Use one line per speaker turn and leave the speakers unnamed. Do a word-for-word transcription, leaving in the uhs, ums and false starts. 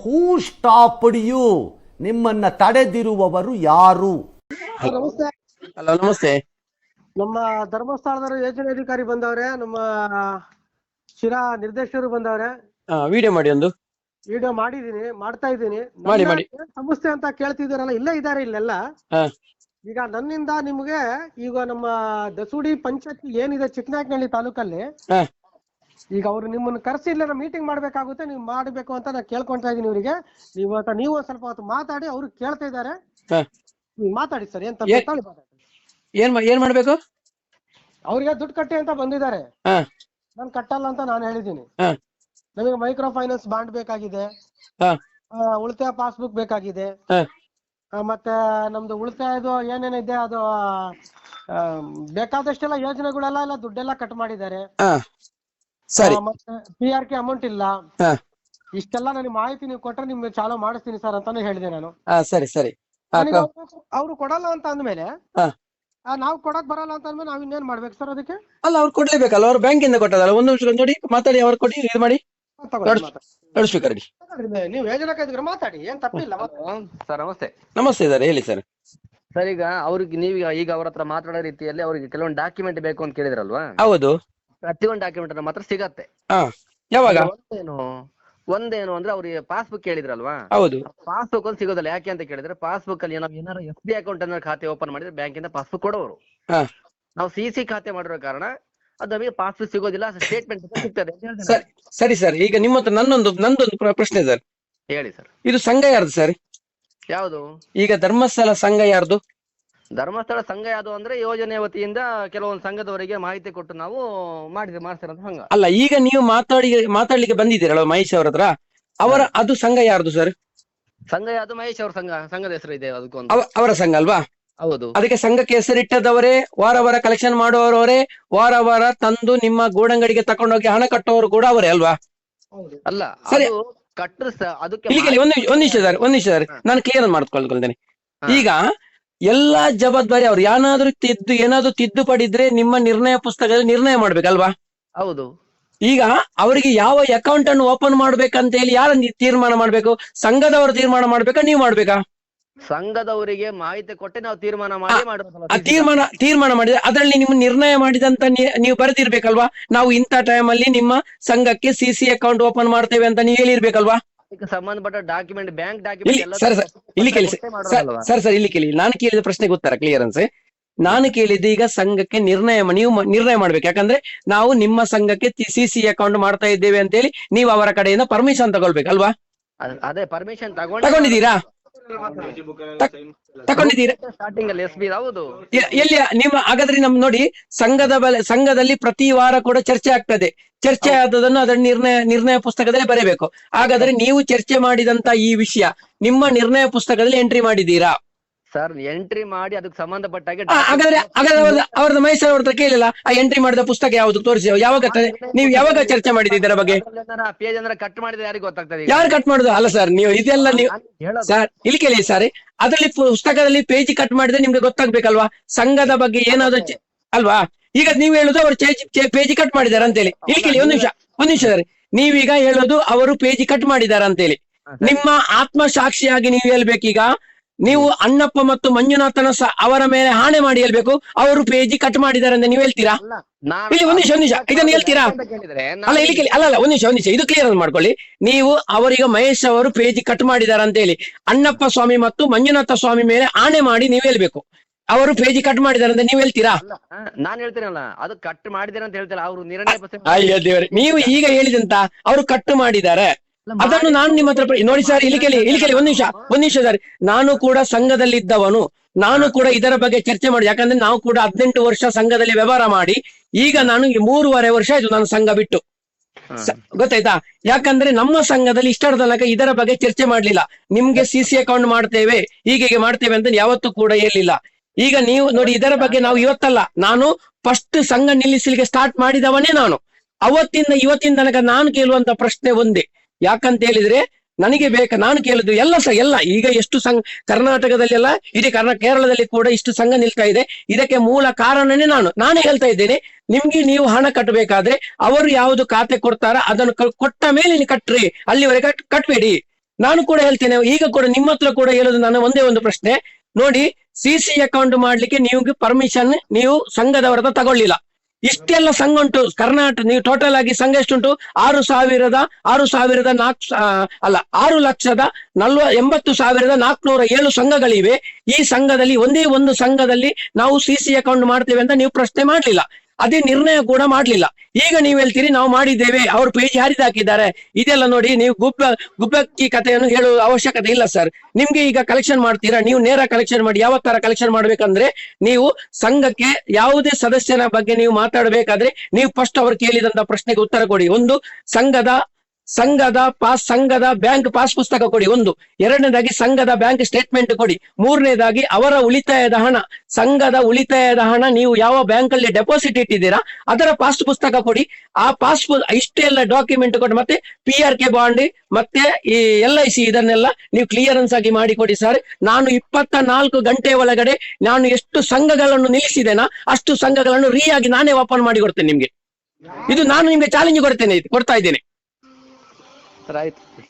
Who stopped you? ನಿಮ್ಮನ್ನ ತಡೆದಿರುವವರು ಯಾರು?
ನಮಸ್ತೆ.
ಹಲೋ ನಮಸ್ತೆ.
ನಮ್ಮ ಧರ್ಮಸ್ಥಳದ ಯೋಜನೆ ಅಧಿಕಾರಿ ಬಂದವ್ರೆ, ನಮ್ಮ ಶಿರಾ ನಿರ್ದೇಶಕರು ಬಂದವ್ರೆ.
ವಿಡಿಯೋ ಮಾಡಿ ಒಂದು
ವಿಡಿಯೋ ಮಾಡಿದೀನಿ, ಮಾಡ್ತಾ ಇದ್ದೀನಿ.
ಮಾಡಿ ಮಾಡಿ.
ಸಮಸ್ಯೆ ಅಂತ ಕೇಳ್ತಿದ್ದೀರಲ್ಲ, ಇಲ್ಲೇ ಇದ್ದಾರೆ ಇಲ್ಲೆಲ್ಲ.
ಹಾ
ಈಗ ನನ್ನಿಂದ ನಿಮ್ಗೆ ಈಗ ನಮ್ಮ ದಸೂಡಿ ಪಂಚಾಯತ್ ಏನಿದೆ ಚಿಕ್ಕನಾಯಕನಹಳ್ಳಿ ತಾಲೂಕಲ್ಲಿ,
ಹಾ
ಈಗ ಅವ್ರು ನಿಮ್ಮನ್ನ ಕರೆಸಿ ಇಲ್ಲ ಮೀಟಿಂಗ್ ಮಾಡ್ಬೇಕಾಗುತ್ತೆ, ನೀವು ಮಾಡ್ಬೇಕು ಅಂತ ನಾನು ಕೇಳ್ಕೊಂತಾ ಇದೀನಿ ಇವರಿಗೆ. ನೀವು ಅಂತ ನೀವು ಒಂದ್ ಸ್ವಲ್ಪ ಹೊತ್ತು ಮಾತಾಡಿ, ಅವ್ರು ಕೇಳ್ತಾ ಇದಾರೆ.
ಹಾ
ಮಾತಾಡಿ ಸರ್. ಏನ್ ತಪ್ಪು ಮಾತಾಡಿ.
ಏನ್ ಮಾ- ಏನ್ ಮಾಡ್ಬೇಕು?
ಅವ್ರಿಗೆ ದುಡ್ಡು ಕಟ್ಟಿ ಅಂತ ಬಂದಿದ್ದಾರೆ,
ಹಾ
ನಾನು ಕಟ್ಟಲ್ಲ ಅಂತ ನಾನು ಹೇಳಿದ್ದೀನಿ.
ಹಾ
ನಮಗೆ ಮೈಕ್ರೋ ಫೈನಾನ್ಸ್ ಬಾಂಡ್ ಬೇಕಾಗಿದೆ,
ಹಾ
ಆ, ಉಳಿತಾಯ ಪಾಸ್ಬುಕ್ ಬೇಕಾಗಿದೆ,
ಹಾ
ಆ, ಮತ್ತೆ ನಮ್ದು ಉಳಿತಾಯದು ಏನೇನಿದೆ ಅದು ಆ, ಬೇಕಾದಷ್ಟೆಲ್ಲ ಯೋಜನೆಗಳೆಲ್ಲ ಎಲ್ಲ ದುಡ್ಡೆಲ್ಲ ಕಟ್ ಮಾಡಿದ್ದಾರೆ.
ಹಾ ಸರಿ.
ಆ, ಮತ್ತೆ ಪಿ ಆರ್ ಕೆ ಅಮೌಂಟ್ ಇಲ್ಲ.
ಹಾ
ಇಷ್ಟೆಲ್ಲ ನನಗೆ ಮಾಹಿತಿ ನೀವು ಕೊಟ್ರೆ ನಿಮ್ಗೆ ಚಾಲೂ ಮಾಡಿಸ್ತೀನಿ ಸರ್ ಅಂತಾನೆ ಹೇಳಿದೆ ನಾನು.
ಹಾ ಸರಿ ಸರಿ. ಹಾ,
ನನಗೆ
ಕ-
ಅವ್ರು- ಅವ್ರು ಕೊಡಲ್ಲ ಅಂತ ಅಂದ್ಮೇಲೆ,
ಹಾ.
ಆ, ನಾವು ಕೊಡಕ್ ಬರಲ್ಲ ಅಂತ ಅಂದ್ಮೇಲೆ ನಾವ್ ಇನ್ನೇನ್ ಮಾಡ್ಬೇಕು ಸರ್ ಅದಕ್ಕೆ?
ಅಲ್ಲ ಅವ್ರು ಕೊಡ್ಲೇಬೇಕಲ್ಲ, ಅವ್ರು ಬ್ಯಾಂಕ್ ಇಂದ ಕೊಟ್ಟದಲ್ಲ. ಒಂದು ನಿಮಿಷ ನೋಡಿ ಮಾತಾಡಿ, ಅವ್ರು ಕೊಡಿ, ಇದು ಮಾಡಿ
ತಗೊಳ್ಳಿ, ಮಾತಾಡಿ.
ನೋಡಿಸ್ಬೇಕಾರೆ.
ಮಾತಾಡಿ, ನೀವು ಯೋಜನೆ ಕೈದಿದ್ರೆ ಮಾತಾಡಿ, ಏನ್ ತಪ್ಪಿಲ್ಲ.
ಸರ್ ನಮಸ್ತೆ.
ನಮಸ್ತೆ ಇದಾರೆ, ಹೇಳಿ ಸರ್.
ಸರ್ ಈಗ ಅವ್ರಿಗೆ ನೀವೀಗ ಈಗ ಅವ್ರ ಹತ್ರ ಮಾತಾಡೋ ರೀತಿಯಲ್ಲಿ ಅವ್ರಿಗೆ ಕೆಲವೊಂದು ಡಾಕ್ಯುಮೆಂಟ್ ಬೇಕು ಅಂತ ಕೇಳಿದ್ರಲ್ವಾ?
ಹೌದು.
ಪ್ರತಿಯೊಂದು ಡಾಕ್ಯುಮೆಂಟ್ ನಮ್ಮ ಹತ್ರ ಸಿಗತ್ತೆ.
ಹಾ ಯಾವಾಗ?
ಒಂದೇನು ಒಂದೇನು ಅಂದ್ರೆ ಅವ್ರಿಗೆ ಪಾಸ್ಬುಕ್ ಕೇಳಿದ್ರಲ್ವಾ?
ಹೌದು.
ಪಾಸ್ಬುಕ್ ಒಂದು ಸಿಗೋದಿಲ್ಲ. ಯಾಕೆ ಅಂತ ಕೇಳಿದ್ರೆ ಪಾಸ್ಬುಕ್ ಅಲ್ಲಿ ನಾವು ಏನಾದ್ರು ಎಫ್ ಡಿ ಅಕೌಂಟ್ ಅನ್ನ ಖಾತೆ ಓಪನ್ ಮಾಡಿದ್ರೆ ಬ್ಯಾಂಕಿಂದ ಪಾಸ್ಬುಕ್ ಕೊಡೋರು.
ಹಾ
ನಾವು ಸಿ ಸಿ ಖಾತೆ ಮಾಡಿರೋ ಕಾರಣ ಅದು ನಮಗೆ ಪಾಸ್ಬುಕ್ ಸಿಗೋದಿಲ್ಲ, ಸ್ಟೇಟ್ಮೆಂಟ್ ಸಿಗ್ತದೆ ಅಂತ ಹೇಳ್ತಾರೆ.
ಸರಿ ಸರಿ ಸರ್. ಈಗ ನಿಮ್ಮ ಹತ್ರ ನನ್ನೊಂದು ನಂದೊಂದು ಪ್ರ- ಪ್ರಶ್ನೆ ಸರ್.
ಹೇಳಿ ಸರ್.
ಇದು ಸಂಘ ಯಾರ್ದು ಸರ್?
ಯಾವುದು?
ಈಗ ಧರ್ಮಸ್ಥಳ ಸಂಘ ಯಾರ್ದು?
ಧರ್ಮಸ್ಥಳ ಸಂಘ ಯಾವುದು ಅಂದ್ರೆ ಯೋಜನೆ ವತಿಯಿಂದ ಕೆಲವೊಂದು ಸಂಘದವರಿಗೆ ಮಾಹಿತಿ ಕೊಟ್ಟು ನಾವು ಮಾಡಿದ ಮಾಡ್ತಿರೋಂಥ ಸಂಘ.
ಅಲ್ಲ, ಈಗ ನೀವು ಮಾತಾಡಿ ಮಾತಾಡ್ಲಿಕ್ಕೆ ಬಂದಿದ್ದೀರಲ್ಲ ಮಹೇಶ್ ಅವ್ರ ಹತ್ರ, ಅವರ ಅದು ಸಂಘ ಯಾರ್ದು ಸರ್?
ಸಂಘ ಯಾವುದು? ಮಹೇಶ್ ಅವ್ರ ಸಂಘ, ಸಂಘದ ಹೆಸರು ಇದೆ ಅದಕ್ಕೊಂದು.
ಅವ- ಅವರ ಸಂಘ ಅಲ್ವಾ?
ಹೌದು.
ಅದಕ್ಕೆ ಸಂಘಕ್ಕೆ ಹೆಸರಿಟ್ಟದವರೇ, ವಾರ ವಾರ ಕಲೆಕ್ಷನ್ ಮಾಡುವವರವರೇ, ವಾರ ವಾರ ತಂದು ನಿಮ್ಮ ಗೂಡಂಗಡಿಗೆ ತಕೊಂಡೋಗಿ ಹಣ ಕಟ್ಟುವವರು ಕೂಡ ಅವರೇ ಅಲ್ವಾ?
ಅಲ್ಲ,
ಸರಿ.
ಅದು ಕಟ್ಟರು ಅದಕ್ಕೆ
ಇಲ್ಲಿ ಕೇಳಿ, ಒಂದ್ ನಿಮಿಷ ಒಂದ್ ನಿಮಿಷ ಸರ್, ಒಂದ್ ನಿಮಿಷ ಸರ್, ನಾನು ಕ್ಲಿಯರ್ ಮಾಡ್ಕೊಳ್ಕೊಳ್ತೇನೆ. ಈಗ ಎಲ್ಲಾ ಜವಾಬ್ದಾರಿ ಅವ್ರು ಏನಾದ್ರೂ ತಿದ್ದು ಏನಾದ್ರು ತಿದ್ದುಪಡಿ ಇದ್ರೆ ನಿಮ್ಮ ನಿರ್ಣಯ ಪುಸ್ತಕದಲ್ಲಿ ನಿರ್ಣಯ ಮಾಡ್ಬೇಕಲ್ವಾ?
ಹೌದು.
ಈಗ ಅವರಿಗೆ ಯಾವ ಅಕೌಂಟ್ ಅನ್ನು ಓಪನ್ ಮಾಡ್ಬೇಕಂತ ಹೇಳಿ ಯಾರ ತೀರ್ಮಾನ ಮಾಡ್ಬೇಕು? ಸಂಘದವರು ತೀರ್ಮಾನ ಮಾಡ್ಬೇಕಾ, ನೀವು ಮಾಡ್ಬೇಕಾ?
ಸಂಘದವರಿಗೆ ಮಾಹಿತಿ ಕೊಟ್ಟೆ ನಾವು ತೀರ್ಮಾನ ಮಾಡಿ
ಆ
ಮಾಡೋದು.
ತೀರ್ಮಾನ ತೀರ್ಮಾನ ಮಾಡಿದ್ರೆ ಅದರಲ್ಲಿ ನಿಮ್ಮ ನಿರ್ಣಯ ಮಾಡಿದಂತ ನೀ- ನೀವು ಬರೆದಿರ್ಬೇಕಲ್ವಾ? ನಾವು ಇಂಥ ಟೈಮ್ ಅಲ್ಲಿ ನಿಮ್ಮ ಸಂಘಕ್ಕೆ ಸಿ ಸಿ ಅಕೌಂಟ್ ಓಪನ್ ಮಾಡ್ತೇವೆ ಅಂತ ನೀವು ಹೇಳಿರ್ಬೇಕಲ್ವಾ?
ಅದಕ್ಕೆ ಸಂಬಂಧಪಟ್ಟ ಡಾಕ್ಯುಮೆಂಟ್, ಬ್ಯಾಂಕ್
ಇಲ್ಲಿ
ಡಾಕ್ಯುಮೆಂಟ್ ಎಲ್ಲ
ಸರ್ ಸರ್ ಇಲ್ಲಿ ಕೇಳಿ ಸರ್ ಸರ್ ಸರ್ ಇಲ್ಲಿ ಕೇಳಿ, ನಾನು ಕೇಳಿದ ಪ್ರಶ್ನೆಗೆ ಉತ್ತರ ಕ್ಲಿಯರೆನ್ಸ್. ನಾನು ಕೇಳಿದ್ದು ಈಗ ಸಂಘಕ್ಕೆ ನಿರ್ಣಯ ಮಾ- ನೀವು ಮ- ನಿರ್ಣಯ ಮಾಡ್ಬೇಕು. ಯಾಕಂದ್ರೆ ನಾವು ನಿಮ್ಮ ಸಂಘಕ್ಕೆ ಸಿ ಸಿ ಅಕೌಂಟ್ ಮಾಡ್ತಾ ಇದ್ದೇವೆ ಅಂತ ಹೇಳಿ ನೀವು ಅವರ ಕಡೆಯಿಂದ ಪರ್ಮಿಷನ್ ತಗೊಳ್ಬೇಕಲ್ವಾ?
ಅದೇ ಪರ್ಮಿಷನ್ ತಗೊಂಡು
ತಗೊಂಡಿದ್ದೀರಾ? ತಗೊಂಡಿದ್ದೀರಾ?
ಸ್ಟಾರ್ಟಿಂಗ್ ಅಲ್ಲಿ ಎಸ್ ಬಿ. ಹೌದು.
ಎ- ಎಲ್ಲಿ ನಿಮ್ಮ ಹಾಗಾದ್ರೆ ನಮ್ ನೋಡಿ, ಸಂಘದ ಬಲ ಸಂಘದಲ್ಲಿ ಪ್ರತಿ ವಾರ ಕೂಡ ಚರ್ಚೆ ಆಗ್ತದೆ. ಚರ್ಚೆ ಆದದನ್ನು ಅದರ ನಿರ್ಣಯ ನಿರ್ಣಯ ಪುಸ್ತಕದಲ್ಲಿ ಬರೆಯಬೇಕು. ಹಾಗಾದ್ರೆ ನೀವು ಚರ್ಚೆ ಮಾಡಿದಂತ ಈ ವಿಷಯ ನಿಮ್ಮ ನಿರ್ಣಯ ಪುಸ್ತಕದಲ್ಲಿ ಎಂಟ್ರಿ ಮಾಡಿದ್ದೀರಾ?
ಸರ್ ಎಂಟ್ರಿ ಮಾಡಿ ಅದಕ್ಕೆ ಸಂಬಂಧಪಟ್ಟ ಹಾಗೆ
ಆ, ಹಾಗಾದ್ರೆ ಹಾಗಾದ್ರೆ ಅವ್ರದ್ದು ಅವ್ರದ್ದು ಮೈಸೂರು ಅವ್ರ ಹತ್ರ ಕೇಳಿಲ್ಲ, ಆ ಎಂಟ್ರಿ ಮಾಡಿದ ಪುಸ್ತಕ ಯಾವುದು ತೋರಿಸಿ, ಯಾವಾಗ ತ- ನೀವು ಯಾವಾಗ ಚರ್ಚೆ ಮಾಡಿದ್ದೀರಿ ಇದರ ಬಗ್ಗೆ?
ಪೇಜ್ ಅಂದ್ರೆ ಕಟ್ ಮಾಡಿದ್ರೆ ಯಾರಿಗೆ ಗೊತ್ತಾಗ್ತದೆ? ಈಗ?
ಯಾರು ಕಟ್ ಮಾಡುದು? ಅಲ್ಲ ಸರ್, ನೀವು ಇದೆಲ್ಲ ನೀವು
ನಾನು ಹೇಳೋದು.
ಸರ್ ಇಲ್ಲಿ ಕೇಳಿ ಸರ್, ಅದರಲ್ಲಿ ಪುಸ್ತಕದಲ್ಲಿ ಪೇಜ್ ಕಟ್ ಮಾಡಿದ್ರೆ ನಿಮ್ಗೆ ಗೊತ್ತಾಗ್ಬೇಕಲ್ವಾ ಸಂಘದ ಬಗ್ಗೆ ಏನಾದ್ರು ಚೆ- ಅಲ್ವಾ? ಈಗ ನೀವು ಹೇಳುದು ಅವರು ಪೇಜ್ ಕಟ್ ಮಾಡಿದ್ದಾರೆ ಅಂತೇಳಿ. ಇಲ್ಲಿ ಕೇಳಿ ಒಂದ್ ನಿಮಿಷ ಒಂದ್ ನಿಮಿಷ ಸರ್, ನೀವೀಗ ಹೇಳೋದು ಅವರು ಪೇಜ್ ಕಟ್ ಮಾಡಿದ್ದಾರೆ ಅಂತೇಳಿ. ನಿಮ್ಮ ಆತ್ಮ ಸಾಕ್ಷಿಯಾಗಿ ನೀವು ಹೇಳ್ಬೇಕೀಗ, ನೀವು ಅಣ್ಣಪ್ಪ ಮತ್ತು ಮಂಜುನಾಥನ ಸ ಅವರ ಮೇಲೆ ಹಾಣೆ ಮಾಡಿ ಹೇಳ್ಬೇಕು, ಅವರು ಪೇಜ್ ಕಟ್ ಮಾಡಿದ್ದಾರೆ ಅಂತ ನೀವು ಹೇಳ್ತೀರಾ?
ಅಲ್ಲ, ನಾನು
ಇಲ್ಲಿ ಒಂದ್ ನಿಮಿಷ ಒಂದ್ ನಿಮಿಷ ಇದನ್ನು ಹೇಳ್ತೀರಾ?
ಅಂತ ಕೇಳಿದ್ರೆ
ಅಲ್ಲ ಇಲ್ಲಿ ಕೇಳಿ, ಅಲ್ಲ ಅಲ್ಲ ಒಂದ್ ನಿಮಿಷ ಒಂದ್ ನಿಮಿಷ ಇದು ಕ್ಲಿಯರ್ ಮಾಡ್ಕೊಳ್ಳಿ. ನೀವು ಅವರಿಗೆ ಮಹೇಶ್ ಅವರು ಪೇಜ್ ಕಟ್ ಮಾಡಿದ್ದಾರೆ ಅಂತ ಹೇಳಿ ಅಣ್ಣಪ್ಪ ಸ್ವಾಮಿ ಮತ್ತು ಮಂಜುನಾಥ ಸ್ವಾಮಿ ಮೇಲೆ ಆಣೆ ಮಾಡಿ ನೀವು ಹೇಳ್ಬೇಕು, ಅವರು ಪೇಜ್ ಕಟ್ ಮಾಡಿದ್ದಾರೆ ಅಂತ ನೀವು ಹೇಳ್ತೀರಾ?
ಅಲ್ಲ, ನಾನ್ ಹೇಳ್ತೀನಲ್ಲ, ಅದು ಕಟ್ ಮಾಡಿದ್ರೆ ಅಂತ ಹೇಳ್ತಾರೆ ಅವರು ನಿರ್ಣಯ ಪುಸ್ತಕ.
ಅಯ್ಯೋ ದೇವರೇ, ನೀವು ಈಗ ಹೇಳಿದಂತ ಅವರು ಕಟ್ ಮಾಡಿದ್ದಾರೆ ಅದನ್ನು ನಾನು ನಿಮ್ಮ ಹತ್ರ ಪ್ರ- ನೋಡಿ ಸರ್, ಇಲ್ಲಿ ಕೇಳಿ ಇಲ್ಲಿ ಕೇಳಿ ಒಂದ್ ನಿಮಿಷ ಒಂದ್ ನಿಮಿಷ ಸರ್, ನಾನು ಕೂಡ ಸಂಘದಲ್ಲಿದ್ದವನು, ನಾನು ಕೂಡ ಇದರ ಬಗ್ಗೆ ಚರ್ಚೆ ಮಾಡಿ. ಯಾಕಂದ್ರೆ ನಾವು ಕೂಡ ಹದಿನೆಂಟು ವರ್ಷ ಸಂಘದಲ್ಲಿ ವ್ಯವಹಾರ ಮಾಡಿ, ಈಗ ನಾನು ಈ ಮೂರುವರೆ ವರ್ಷ ಆಯ್ತು ನಾನು ಸಂಘ ಬಿಟ್ಟು. ಸ- ಗೊತ್ತಾಯ್ತಾ? ಯಾಕಂದ್ರೆ ನಮ್ಮ ಸಂಘದಲ್ಲಿ ಇಷ್ಟರ ತನಕ ಇದರ ಬಗ್ಗೆ ಚರ್ಚೆ ಮಾಡ್ಲಿಲ್ಲ. ನಿಮ್ಗೆ ಸಿ ಸಿ ಅಕೌಂಟ್ ಮಾಡ್ತೇವೆ, ಹೀಗೆ ಮಾಡ್ತೇವೆ ಅಂತ ಯಾವತ್ತೂ ಕೂಡ ಹೇಳಿಲ್ಲ. ಈಗ ನೀವು ನೋಡಿ, ಇದರ ಬಗ್ಗೆ ನಾವು ಇವತ್ತಲ್ಲ, ನಾನು ಫಸ್ಟ್ ಸಂಘ ನಿಲ್ಲಿಸಲಿಕ್ಕೆ ಸ್ಟಾರ್ಟ್ ಮಾಡಿದವನೇ ನಾನು. ಅವತ್ತಿಂದ ಇವತ್ತಿನ ತನಕ ನಾನು ಕೇಳುವಂತ ಪ್ರಶ್ನೆ ಒಂದೇ, ಯಾಕಂತ ಹೇಳಿದ್ರೆ ನನಗೆ ಬೇಕಾ, ನಾನು ಕೇಳುದು ಎಲ್ಲ ಸ ಎಲ್ಲ ಈಗ ಎಷ್ಟು ಸಂಘ ಕರ್ನಾಟಕದಲ್ಲಿ ಎಲ್ಲ ಇಡೀ ಕರ್ನಾ ಕೇರಳದಲ್ಲಿ ಕೂಡ ಇಷ್ಟು ಸಂಘ ನಿಲ್ತಾ ಇದೆ, ಇದಕ್ಕೆ ಮೂಲ ಕಾರಣನೇ ನಾನು ನಾನೇ ಹೇಳ್ತಾ ಇದ್ದೇನೆ. ನಿಮ್ಗೆ ನೀವು ಹಣ ಕಟ್ಟಬೇಕಾದ್ರೆ ಅವರು ಯಾವುದು ಖಾತೆ ಕೊಡ್ತಾರ ಅದನ್ನು ಕೊಟ್ಟ ಮೇಲೆ ನೀವು ಕಟ್ರಿ, ಅಲ್ಲಿವರೆಗೆ ಕಟ್ ಕಟ್ಬೇಡಿ. ನಾನು ಕೂಡ ಹೇಳ್ತೇನೆ, ಈಗ ಕೂಡ ನಿಮ್ಮ ಹತ್ರ ಕೂಡ ಹೇಳೋದು ನನ್ನ ಒಂದೇ ಒಂದು ಪ್ರಶ್ನೆ ನೋಡಿ, ಸಿ ಸಿ ಅಕೌಂಟ್ ಮಾಡ್ಲಿಕ್ಕೆ ನೀವು ಪರ್ಮಿಷನ್ ನೀವು ಸಂಘದವರ ಹತ್ರ ತಗೊಳ್ಳಿಲ್ಲ. ಇಷ್ಟೆಲ್ಲ ಸಂಘ ಉಂಟು ಕರ್ನಾಟಕ, ನೀವು ಟೋಟಲ್ ಆಗಿ ಸಂಘ ಎಷ್ಟುಂಟು? ಆರು ಸಾವಿರದ ಆರು ಸಾವಿರದ ನಾಲ್ಕು ಅಲ್ಲ ಆರು ಲಕ್ಷದ ನಲ್ವ ಎಂಬತ್ತು ಸಾವಿರದ ನಾಲ್ಕುನೂರ ಏಳು ಸಂಘಗಳಿವೆ. ಈ ಸಂಘದಲ್ಲಿ ಒಂದೇ ಒಂದು ಸಂಘದಲ್ಲಿ ನಾವು ಸಿ ಸಿ ಅಕೌಂಟ್ ಮಾಡ್ತೇವೆ ಅಂತ ನೀವು ಪ್ರಶ್ನೆ ಮಾಡ್ಲಿಲ್ಲ, ಅದೇ ನಿರ್ಣಯ ಕೂಡ ಮಾಡ್ಲಿಲ್ಲ. ಈಗ ನೀವು ಹೇಳ್ತೀರಿ ನಾವು ಮಾಡಿದ್ದೇವೆ, ಅವ್ರ ಪೇಜ್ ಹರಿದಾಕಿದ್ದಾರೆ. ಇದೆಲ್ಲ ನೋಡಿ, ನೀವು ಗುಬ್ಬ ಗುಬ್ಬಕ್ಕಿ ಕಥೆಯನ್ನು ಹೇಳುವ ಅವಶ್ಯಕತೆ ಇಲ್ಲ ಸರ್. ನಿಮ್ಗೆ ಈಗ ಕಲೆಕ್ಷನ್ ಮಾಡ್ತೀರಾ, ನೀವು ನೇರ ಕಲೆಕ್ಷನ್ ಮಾಡಿ. ಯಾವ ತರ ಕಲೆಕ್ಷನ್ ಮಾಡ್ಬೇಕಂದ್ರೆ, ನೀವು ಸಂಘಕ್ಕೆ ಯಾವುದೇ ಸದಸ್ಯನ ಬಗ್ಗೆ ನೀವು ಮಾತಾಡಬೇಕಾದ್ರೆ ನೀವು ಫಸ್ಟ್ ಅವರು ಕೇಳಿದಂತ ಪ್ರಶ್ನೆಗೆ ಉತ್ತರ ಕೊಡಿ. ಒಂದು, ಸಂಘದ ಸಂಘದ ಪಾಸ್ ಸಂಘದ ಬ್ಯಾಂಕ್ ಪಾಸ್ ಪುಸ್ತಕ ಕೊಡಿ ಒಂದು. ಎರಡನೇದಾಗಿ ಸಂಘದ ಬ್ಯಾಂಕ್ ಸ್ಟೇಟ್ಮೆಂಟ್ ಕೊಡಿ. ಮೂರನೇದಾಗಿ ಅವರ ಉಳಿತಾಯದ ಹಣ, ಸಂಘದ ಉಳಿತಾಯದ ಹಣ ನೀವು ಯಾವ ಬ್ಯಾಂಕ್ ಅಲ್ಲಿ ಡೆಪಾಸಿಟ್ ಇಟ್ಟಿದ್ದೀರಾ ಅದರ ಪಾಸ್ ಪುಸ್ತಕ ಕೊಡಿ. ಆ ಪಾಸ್ ಇಷ್ಟೆಲ್ಲ ಡಾಕ್ಯುಮೆಂಟ್ ಕೊಡಿ. ಮತ್ತೆ ಪಿ ಆರ್ ಕೆ ಬಾಂಡ್ ಮತ್ತೆ ಈ ಎಲ್ ಐ ಸಿ ಇದನ್ನೆಲ್ಲ ನೀವು ಕ್ಲಿಯರೆನ್ಸ್ ಆಗಿ ಮಾಡಿಕೊಡಿ ಸರ್. ನಾನು ಇಪ್ಪತ್ತ ನಾಲ್ಕು ಗಂಟೆ ಒಳಗಡೆ ನಾನು ಎಷ್ಟು ಸಂಘಗಳನ್ನು ನಿಲ್ಲಿಸಿದ್ದೇನಾ ಅಷ್ಟು ಸಂಘಗಳನ್ನು ರೀ ಆಗಿ ನಾನೇ ಓಪನ್ ಮಾಡಿ ಕೊಡ್ತೇನೆ ನಿಮ್ಗೆ. ಇದು ನಾನು ನಿಮ್ಗೆ ಚಾಲೆಂಜ್ ಕೊಡ್ತೇನೆ, ಕೊಡ್ತಾ ಇದ್ದೇನೆ.
ಸರ್ ಆಯ್ತು.